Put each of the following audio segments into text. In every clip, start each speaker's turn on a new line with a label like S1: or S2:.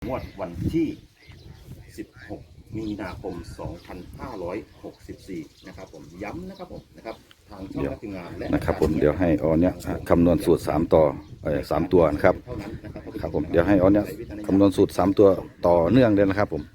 S1: วดวันที่16มีนาคม2564นะครับผมย้ำนะครับผมนะครับทางช่องทีมงานและ
S2: นะครับผมเดี๋ยวให้ออนเนี่ยคำนวณสูตร3ต่อ3ตัวนะครับครับผมเดี๋ยวให้ออนเนี่ยคำนวณสูตร3ตัวต่อเนื่องเลยนะครับผม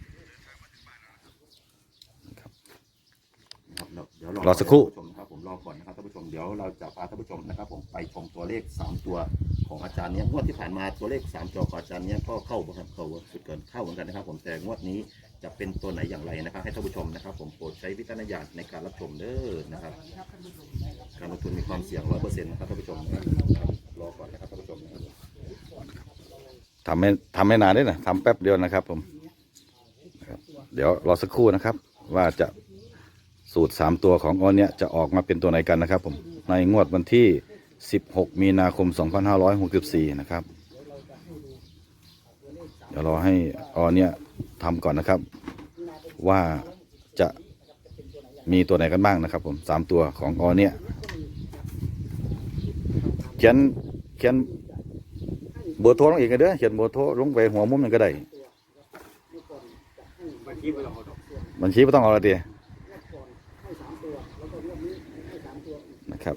S2: รอสักครู่
S1: ครับผมรอก่อนนะครับท่านผู้ชมเดี๋ยวเราจะพาท่านผู้ชมนะครับผมไปชมตัวเลข3ตัวของอาจารย์เนี้ยงวดที่ผ่านมาตัวเลข3ตัวของอาจารย์เนี้ยก็เข้าบ่ครับเข้าสุดเกินเข้าเหมือนกันนะครับผมแต่งวดนี้จะเป็นตัวไหนอย่างไรนะครับให้ท่านผู้ชมนะครับผมโปรดใช้วิจารณญาณในการรับชมเด้อนะครับการลงทุนมีความเสี่ยง 100% นะครับท่านผู้ชมนะครับรอก่อนนะครับท่านผู้ชมนะครับ
S2: ทำไม่นานด้วยนะทำแป๊บเดียวนะครับผมเดี๋ยวรอสักครู่นะครับว่าจะสูตร3ตัวของออนเนี่ยจะออกมาเป็นตัวไหนกันนะครับผมในงวดวันที่16มีนาคม2564นะครับเดี๋ยวรอให้ออนเนี่ยทำก่อนนะครับว่าจะมีตัวไหนกันบ้างนะครับผม3ตัวของออนเนี่ยเขียนเบอร์โทรลงอีกกันเด้อเขียนเบอร์โทรลงไปหัวมุมมันก็ได้บัญชีไม่ต้องเอาละเดียนะครับ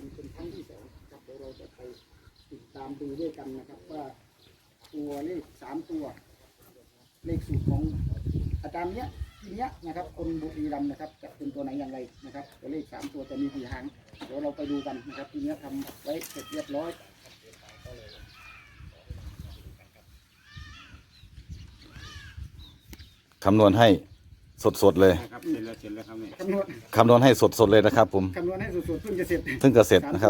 S3: ตามดูด้วยกันนะครับว่าตัวเลข3ตัวเลขสูตรของอาจารย์เนี้ยทีเนี้ยนะครับคนบุรีรัมย์นะครับจะเป็นตัวไหนอย่างไรนะครับตัวเลข3ตัวจะมีกี่หางเดี๋ยวเราไปดูกันนะครับทีเนี้ยทำไว้เสร็จเรียบร้อย
S2: คำนวณให้สดเลยคำนวณให้สดเลยนะครับผม
S3: คำนวณให้สุดๆเพิ่งจะเสร็จ
S2: นะครับ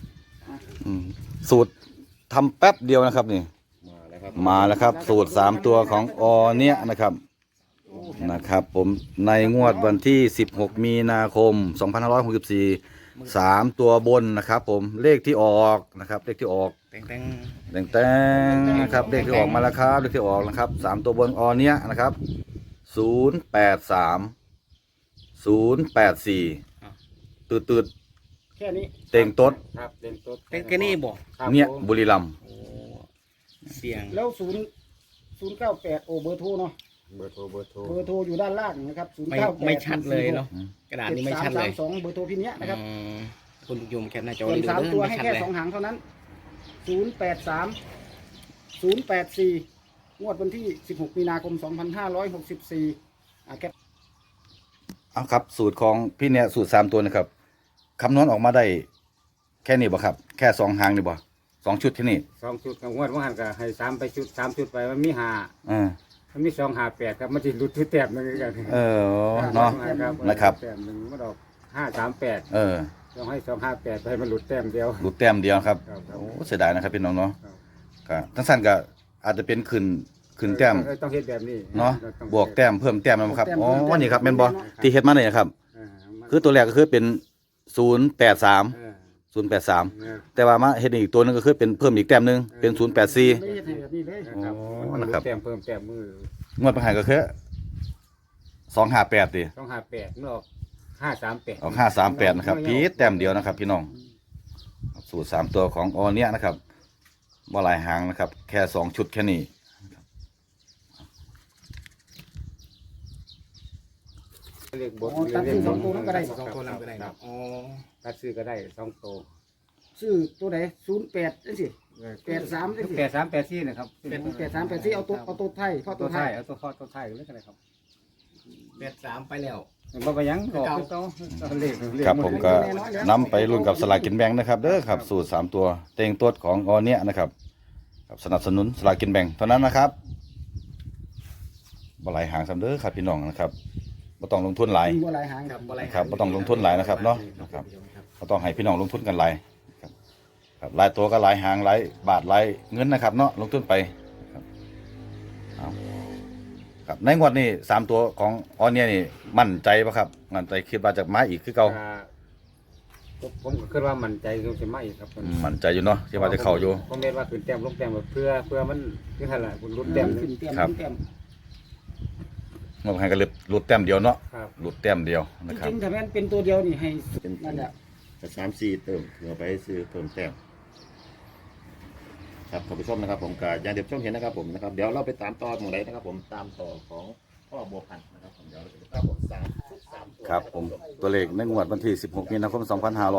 S2: สูตรทำแป๊บเดียวนะครับนี่มาแล้วครับสูตร3ตัวของอเนี่ยนะครับผมในงวดวันที่16มีนาคม2564 3ตัวบนนะครับผมเลขที่ออกนะครับเลขที่ออกแต่งนะครับเลขที่ออกมาแล้วครับเลขที่ออกนะครับ3ตัวบนอเนี่ยนะครับ083 084ตืด
S3: แค่นี้
S2: เต็งต๊ด
S3: ครับเต็งต๊ด
S4: แค่นี้บ่
S2: เนี่ยบุรีรัมย์
S4: เสียง
S3: แล้ว098โอเบอร์โทรเนาะเบอร์โทรอยู่ด้านล่างนะครับ098
S4: ไม่ชัดเลยเนาะกระดาษนี้ไม่ชัดเลย
S3: 2เบอร์โทรพี่เนี้ยนะครับ
S4: คุณยมแคปหน้าจอ
S3: ดู3ตัวให้แค่2หางเท่านั้น083 084งวดวันที่16มีนาคม2564แคป
S2: เอาครับสูตรของพี่เนี่ยสูตร3ตัวนะครับคำนวณออกมาได้แค่นี้บ่ครับแค่2หางนี่บ่2ชุดที่นี่
S5: 2ชุดกับงวดว่าหันก็ให้3ไปชุด3ชุดไปมันมี5มันมี2 5 8ครับมันสิหลุดชุดแต้มนึงกัน
S2: เนาะนะครับ
S5: แต้มนึงมันออก538ต้องให้258ไปให้มันหลุดแต้มเดียว
S2: หลุดแต้มเดียวครับโอ้เสียดายนะครับพี่น้องเนาะก็ทั้งสั้นก็อาจจะเป็นขึ้นแต้ม
S5: ต้องเฮ็ดแบบนี้
S2: เนาะบวกแต้มเพิ่มแต้มนะครับอ๋อนี่ครับแม่นบ่ที่เฮ็ดมาเนี่ยครับคือตัวแรกก็คือเป็น083แต่ว่ามาเฮ็ดอีกตัวนึงก็คือเป็นเพิ่มอีกแต้มนึงเป็น084นะครับ
S5: แต้มเพิ่มแต้มมื
S2: องวดประหารก็คือ258ดิ
S5: 258มันออก538
S2: ออก538นะครับพีแต้มเดียวนะครับพี่น้องสูตร3ตัวของออเนี่ยนะครับบ่หลายหางนะครับแค่2ชุดแค่นี้
S5: เลขบท
S3: ตัดซื้อ2ตัวนั้นก็ได้
S4: 2ตัวนั้นก็ได้ครับ
S5: ตัดซื้อก็ได้2ตัว
S3: ซื้อตัวไหน08จังซี่83จังซี่
S5: 8384นะครับ
S3: 8384เอาตัวไทย
S5: เอาตัวไทยเลยก็ได้ครับ
S4: 83ไปแล้ว
S5: บ่ไปยังก็
S2: ครับผมก็นำไปรุ่นกับสลากกินแบ่งนะครับเด้อครับสูตร3ตัวเต็งตัวของอเนี่ยนะครับสนับสนุนสลากกินแบ่งเท่านั้นนะครับบ่หลายหางซ้ำเด้อครับพี่น้องนะครับบ่ต้องลงทุนหลาย
S3: บ่หลายหาง
S2: ครับบ่ต้องลงทุนหลายนะครับเนาะนะครับบ่ต้องให้พี่น้องลงทุนกันหลายครับหลายตัวก็หลายหางหลายบาทหลายเงินนะครับเนาะลงทุนไปครับในงวดนี้3ตัวของออนเนี่ยนี่มั่นใจป่ะครับมั่นใจคิดว่าจะมาอีกคือเก่า
S5: ผมก็คิดว่ามั่นใจคือจะมาอีกครับ
S2: มั่นใจอยู่เนาะที่ว่าจะเข้าอยู่
S5: ผมเรียนว่าขึ้นแต้มลงแต้มเพื่อมันคือหั่นล่ะคุณลุ้นแต้ม
S2: ครับมันให้กันหลุดแต้มเดียวเนาะหลุดแต้มเดียวนะครับ
S3: จริงๆถ้าแม่นเป็นตัวเดียวนี่ให้นั่นแหละ
S1: 3-4เติมเพื่อไปซื้อเพิ่มแต้มครับท่านผู้ชมนะครับผมก็อย่างเดียวชมเห็นนะครับผมนะครับเดี๋ยวเราไปตามต่อตรงไหนนะครับผมตามต่อของพ่อบัวพันธุ์นะครับผมเดี๋ยวเราจะครับผม3 ตัว
S2: ครับผมตัวเลขในงวดวันที่ 16 มีนาคม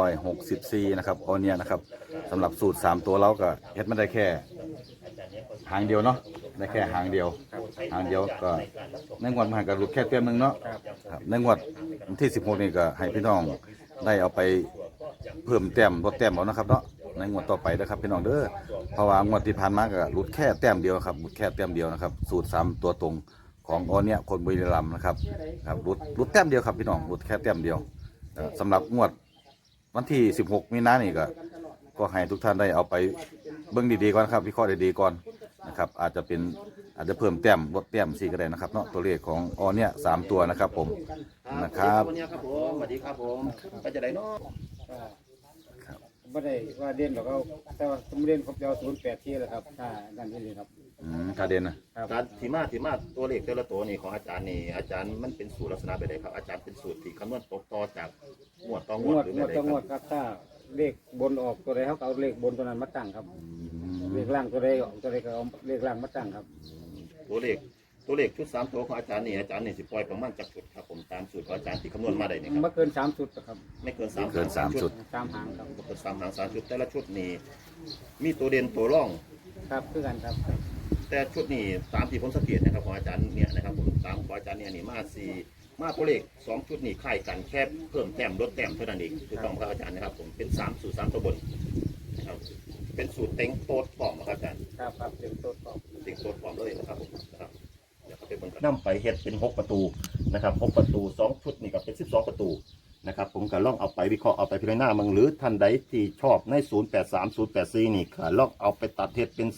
S2: 2564 นะครับออเนียนะครับสำหรับสูตร 3 ตัวเราก็เฮ็ดไม่ได้แค่หางเดียวเนาะได้แค่หางเดียวก็ในงวดมันก็หลุดแค่เต็มหนึงเนาะครับในงวดวันที่ 16 นี่ก็ให้พี่น้องได้เอาไปเพิ่มแต้มลดแต้มเอานะครับเนาะในงวดต่อไปนะครับพี่น้องเด้อเพราะว่างวดที่ผ่านมาก็หลุดแค่แต้มเดียวครับหลุดแค่แต้มเดียวนะครับสูตร 3 ตัวตรงของออเนียคนบุรีรัมย์นะครับครับหลุดแต้มเดียวครับพี่น้องหลุดแค่แต้มเดียวสำหรับงวดวันที่ 16 มีนานี่ก็ให้ทุกท่านได้เอาไปเบิ่งดีๆก่อนครับวิเคราะห์ดีๆก่อนนะครับอาจจะเพิ่มแต้มลดแต้มสี่ก็ได้นะครับเนาะตัวเลขของออเนีย3 ตัวนะครับผมนะครับ
S1: วันนี้ครับผมสวัสดีครับผมไปจะได้เนาะ
S5: ไม่ได้ว่าเด่นหรอกเขาแต่ว่าสมเด่นเขาจะเอา08ที่แหละครับถ้านั่นที่นี่ครับ
S2: ถ้าเด่นนะ
S5: ครับ
S1: การที่มาตัวเลขแต่ละตัวนี่ของอาจารย์นี่อาจารย์มันเป็นสูตรลักษณะแบบไหนครับอาจารย์เป็นสูตรที่คำนวณตกต่อจากงวดต่อง
S5: ง
S1: ว
S5: ว
S1: ด
S5: ด
S1: หรือง
S5: ว
S1: แบบไหน
S5: ดต้อง
S1: ค
S5: ง
S1: รั
S5: ว
S1: บ
S5: ดครับถ้าเลขบนออกตัวใดเขาก็เอาเลขบนตัวนั้นมาตั้งครับเลขล่างตัวใดออกตัวใดก็เอาเลขล่างมาตั้งครับ
S1: ตัวเลขชุด3 ตัวของอาจารย์นี่สิปล่อยประมาณจากชุดครับผมตามสูตรของอาจารย์ที่คำนวณมาได้นี่ครับ
S5: ไม่เกิน3ชุดครับ
S1: ไม่เกิน3
S2: เกิน3 ชุด
S5: 3หางครับ
S1: บ่เกิน3 หาง3 ชุดแต่ละชุดนี่มีตัวเด่นตัวร่อง
S5: ครับคือกันครับ
S1: แต่ชุดนี้ตามที่ผมสังเกตนะครับของอาจารย์เนี่ยนะครับผมตามของอาจารย์เนี่ยนี่มาตัวเลข2 ชุดนี่คล้ายกันแค่เพิ่มแต้มลดแต้มเท่านั้นเองถูกต้องครับอาจารย์นะครับผมเป็น3 สูตร 3 ตัวบนนะครับเป็นสูตรเต็งโต๊ดปลอมครับอาจารย์
S5: ครับครับเต็มโต๊ะครับ
S1: เต็งโต๊ดปลอมเลยนะครับผมนะครับเดี๋ยวเขาไปเบิ่งกันนำไปเฮ็ดเป็น6 ประตูนะครับ6 ประตู2 ชุดนี่ก็เป็น12 ประตูนะครับผมก็ลองเอาไปวิเคราะห์เอาไปพิจารณามึงหรือท่านใดที่ชอบใน083 084นี่ก็ลองเอาไปตัดเฮ็ดเป็น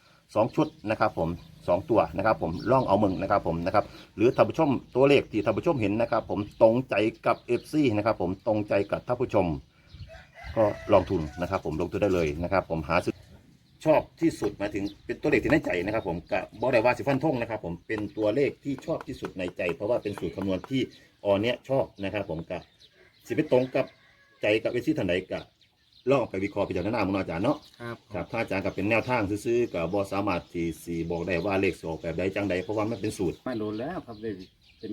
S1: 2 ชุดนะครับผม2 ตัวนะครับผมลองเอามึงนะครับผมนะครับหรือท่านผู้ชมตัวเลขที่ท่านผู้ชมเห็นนะครับผมตรงใจกับ FC นะครับผมตรงใจกับท่านผู้ชม ก็ลองทุนนะครับผมลงทุนได้เลยนะครับผมหาซื้อชอบที่สุดหมายถึงเป็นตัวเลขที่ในใจนะครับผมกับบอได้ว่าสิฟันทงนะครับผมเป็นตัวเลขที่ชอบที่สุดในใจ เพราะว่าเป็นสูตรคำนวณที่ออเนี้ยชอบนะครับผมกับสิไปตรงกับใจกับวิธีทันใดกับลองเอาไปวิเคราะห์พิจารณามุนอาจารย์เนาะ
S5: ครับ
S1: ครับถ้าอาจารย์กับเป็นแนวทางซื้อๆกับบอสามารถที่สีบอกได้ว่าเลขสออกแบบใดจังใดเพราะว่ามันเป็นสูตร
S5: ไม่โดนแล้วครับได้เป็น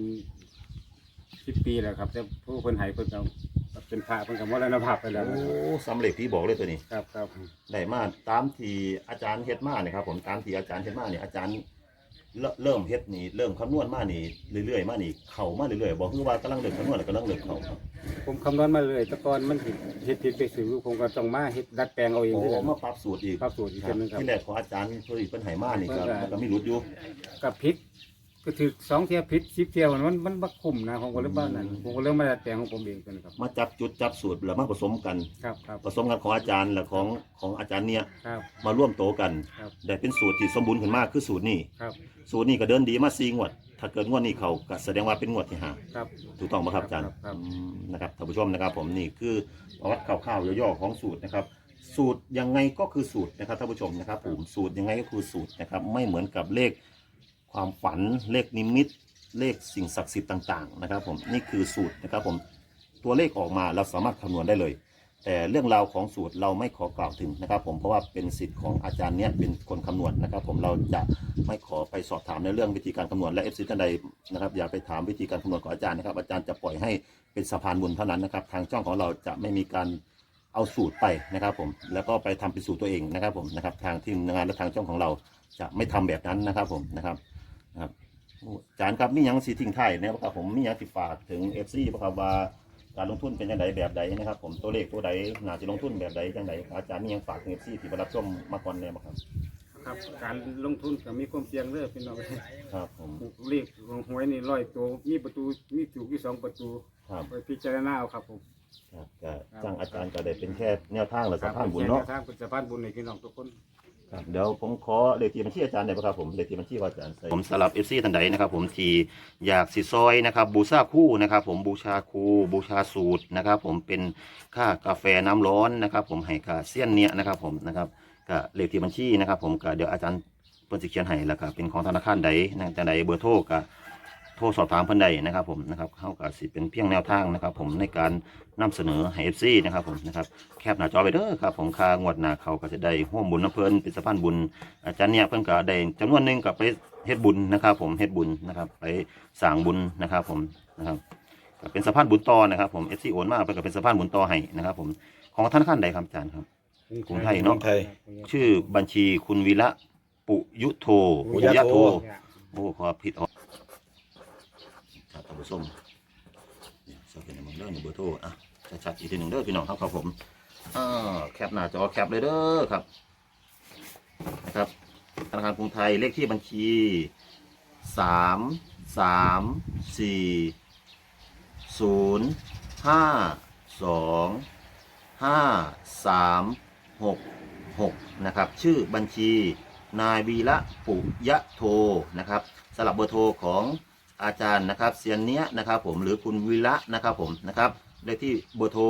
S5: 10 ปีแล้วครับแต่ผู้คนใหายเพิ่นก็เป็นพระเพิ่นก็มรณภาพไปแล้ว
S1: โอ้สำเร็จที่บอกเลยตัวนี้
S5: ครับครับ
S1: ได้มาตามที่อาจารย์เฮ็ดมาเนี่ยครับผมตามที่อาจารย์เฮ็ดมาเนี่ยอาจารย์เริ่มเฮ็ดนี่เริ่มคำนวณมานี่เรื่อยๆมานี่เข้ามาเรื่อยๆบอกคือว่ากำลังเริ่มคำนวณแล้วกำลังเริ่มเข้าครับ
S5: ผมคำนวณมาเลยแต่ก่อนมันเฮ็ดผิดไปสื่อผมก็ต้องมาเฮ็ดดัดแปลงเอาเอง
S1: โอ้
S5: คือกัน
S1: มาปรับสูตรอีก
S5: ปรับสูตรอีก
S1: ครับ
S5: เช่นนึงครับ
S1: ที่แรกของอาจารย์เพิ่นเพิ่นให้มานี่ครับมันก็มีหลุดอยู่
S5: กับพริกก็ถือ2 เที่ยวพริก10 เที่ยวมันบ่คุ้มนะผมก็เลยว่านั่นผมก็เลยมาดัดแปลงของผมเองกันครับ
S1: มาจับจุดจับสูตรแล้วมาผสมกัน
S5: ครับครับ
S1: ผสมกันของอาจารย์และของอาจารย์เนี่ย
S5: ครับ
S1: มาร่วมโตกัน
S5: ครับ
S1: ได้เป็นสูตรที่สมบูรณ์ขึ้นมากคือสูตรนี้
S5: ครับ
S1: สูตรนี้ก็เดินดีมา4 งวด ถ้าเกิดงวดนี้เขาก็แสดงว่าเป็นงวดที่ห้า
S5: ครับ
S1: ถูกต้องไหมครับอาจารย์
S5: ครับ
S1: นะครับท่านผู้ชมนะครับผมนี่คือประวัติคร่าวๆย่อๆของสูตรนะครับ สูตรยังไงก็คือสูตรนะครับท่านผู้ชมนะครับผมสูตรยังไงก็คือสูตรนะครับไม่เหมือนกับเลขความฝันเลขนิมิตเลขสิ่งศักดิ์สิทธิ์ต่างๆนะครับผมนี่คือสูตรนะครับผมตัวเลขออกมาเราสามารถคำนวณได้เลย แต่เรื่องราวของสูตรเราไม่ขอกล่าวถึงนะครับผมเพราะว่าเป็นสิทธิ์ของอาจารย์เนี้ยเป็นคนคำนวณนะครับผมเราจะไม่ขอไปสอบถามในเรื่องวิธีการคำนวณและเอฟซีท่านใดนะครับอย่าไปถามวิธีการคำนวณของอาจารย์นะครับอาจารย์จะปล่อยให้เป็นสะพานบุญเท่านั้นนะครับทางช่องของเราจะไม่มีการเอาสูตรไปนะครับผมแล้วก็ไปทำเป็นสูตรตัวเองนะครับผมนะครับทางทีมงานและทางช่องของเราจะไม่ทำแบบนั้นนะครับผมนะครับอาจารย์ครับมีหยังสิทิ้งท้ายนะครับผมมีหยังสิฝากถึงเอฟซีบ่ครับว่าการลงทุนเป็นยังไงแบบใดนะครับผมตัวเลขตัวใดน่าจะลงทุนแบบใดจังใดอาจารย์มีหยังฝากถึงเอฟซีที่มารับชมมาก่อนแน่บ่ครับ
S5: ครับการลงทุนก็มีความเสี่ยงเด้อพี่น้อง
S1: ครับผม
S5: เลขหวยนี่100ตัวมีประตูมีถูกที่2ประตู
S1: ครับ
S5: ไปพิจารณาเอาครับผม
S1: ครับก็จ้างอาจารย์ก็ได้เป็นแค่แนวทางและสะพานบุญเนาะ
S5: ทางเป็นสะพานบุญในพี่น้องทุกคน
S1: ครับเดี๋ยวผมขอเลขที่บัญชีอาจารย์ได้ไหมครับผมเลขที่บัญชีของอาจารย์ผมสำหรับเอฟซีท่านใดนะครับผมที่อยากสิซอยนะครับบูชาคู่นะครับผมบูชาครูบูชาสูตรนะครับผมเป็นค่ากาแฟน้ำร้อนนะครับผมให้ค่าเสี้ยนเนี่ยนะครับผมนะครับก็เลขที่บัญชีนะครับผมก็เดี๋ยวอาจารย์เพิ่นสิเขียนให้แล้วก็เป็นของธนาคารใดนะจังใดเบอร์โทรก็โทรรสอบถามเพิ่นใดนะครับผมนะครับเข้ากับสิเป็นเพียงแนวทางนะครับผมในการนำเสนอให้ FC นะครับผมนะครับแคปหน้าจอไปเด้อครับผมค่างวดหน้าเขาก็จะได้ร่วมบุญน้ำเพิ่นเป็นสะพานบุญอาจารย์เนี่ยเพิ่นก็ได้จำนวนหนึงก็ไปเฮ็ดบุญนะครับผมเฮ็ดบุญนะครับไปสร้างบุญนะครับผมนะครับก็เป็นสะพานบุญต่อนะครับผม FC โอนมาเพิ่นก็เป็นสะพานบุญต่อให้นะครับผมของธนาคารใดครับอาจารย์ครับกรุงไทยเนาะ
S2: ไทย
S1: ชื่อบัญชีคุณวีระปุยุโท
S2: ปุยะโท
S1: โอ้ขอผิดออกครับท่านผู้ชมเนี่ยจะเป็นเรื่องเบอร์โทรอ่ะชัดๆอีกทีหนึ่งเด้อพี่น้องครับผมแคปหน้าจอแคปเลยเด้อครับนะครับธนาคารกรุงไทยเลขที่บัญชี334025366นะครับชื่อบัญชีนายวีระปุยะโทนะครับสลับเบอร์โทรของอาจารย์นะครับเซียนเนี้ยนะครับผมหรือคุณวีระนะครับผมนะครับเลขที่เบอร์โทร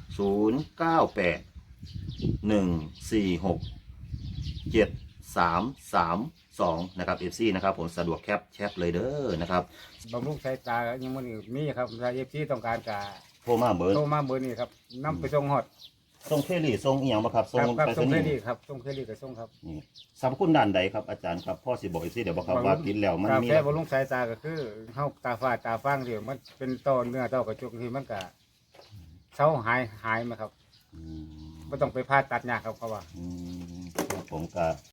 S1: 0981467332นะครับ FC นะครับผมสะดวกแคปเลยเด้อนะครับ
S5: บำรุงสายตายังมันมีครับถ้าเอฟซีต้องการกะ
S1: โทรมาเบอร์
S5: โทรมาเบอร์นี้ครับนำไปส่งฮอด
S1: ส่งเครี่ส่งอีหยังบ่ครับส่ง
S5: ครับ
S1: ไป
S5: ส่ง
S1: ร
S5: เคร
S1: ษณี
S5: ดิ
S1: ย์
S5: ตครับส่งเครดิตกับส่งครับ
S1: นี่สรรพคุณด้านใดครับอาจารย์ครับพ่อสิบอก FC เดี๋ยวบอกครับว่ากินแล้วมัน
S5: กา
S1: มี
S5: แฟบำรุงสายตาก็คือเฮาตาฝ้าตาฟางที่มันเป็นต้อเนื้อต้อกระจกที่มันก็เซาหายมาครับ
S1: อืม
S5: บ่ต้องไปผ่าตัดยากครับเขาว่า
S1: ครับผมก็